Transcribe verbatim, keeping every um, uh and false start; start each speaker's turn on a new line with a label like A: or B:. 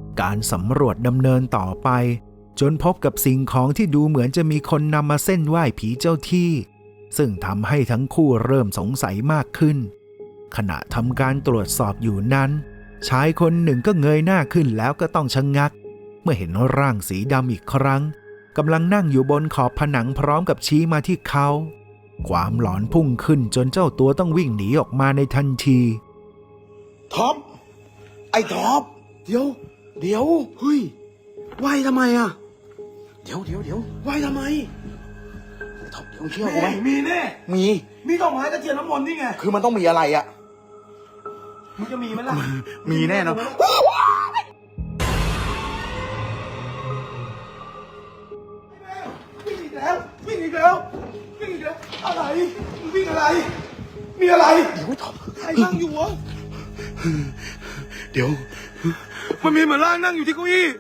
A: การสำรวจดำเนินต่อไปจนพบกับสิ่งของที่ดูเหมือนจะมีคนนำมาเส้นไหว้ผีเจ้าที่ซึ่งทำให้ทั้งคู่เริ่มสงสัยมากขึ้นขณะทำการตรวจสอบอยู่นั้นชายคนหนึ่งก็เงยหน้าขึ้นแล้วก็ต้องชะงักเมื่อเห็นร่างสีดำอีกครั้งกำลังนั่งอยู่บนขอบผนังพร้อมกับชี้มาที่เขาความหลอนพุ่งขึ้นจนเจ้าตัวต้องวิ่งหนีออกมาในทันที
B: ท็อปไอ้ท็อปเดี๋ยวเดี๋ยวเฮ้ยไหวทำไมอ่ะเดี๋ยวเดี๋ยวเดี๋ยวไหวทำไมไอ้ท็อปเดี๋ยวเชื่อกูไหม
C: มีแน่
B: มี
C: มีดอกไม้ตะเกียบน้ำมนต์นี่ไง
B: คือมันต้องมีอะไรอ่ะ
C: มึงจะมีไหมล่ะ
B: มีแน่นอน
C: วิ่งอีกแล้ววิ่งอีกแล้ววิ่งอีกแล้วอะไรมึงวิ่งอะไรมีอะไร
B: เดี๋ยวท็อป
C: ใครนั่งอยู่วะ
B: เดี๋ยว
C: มันมีเหมือนร่างนั่งอยู่ที่เก้าอี้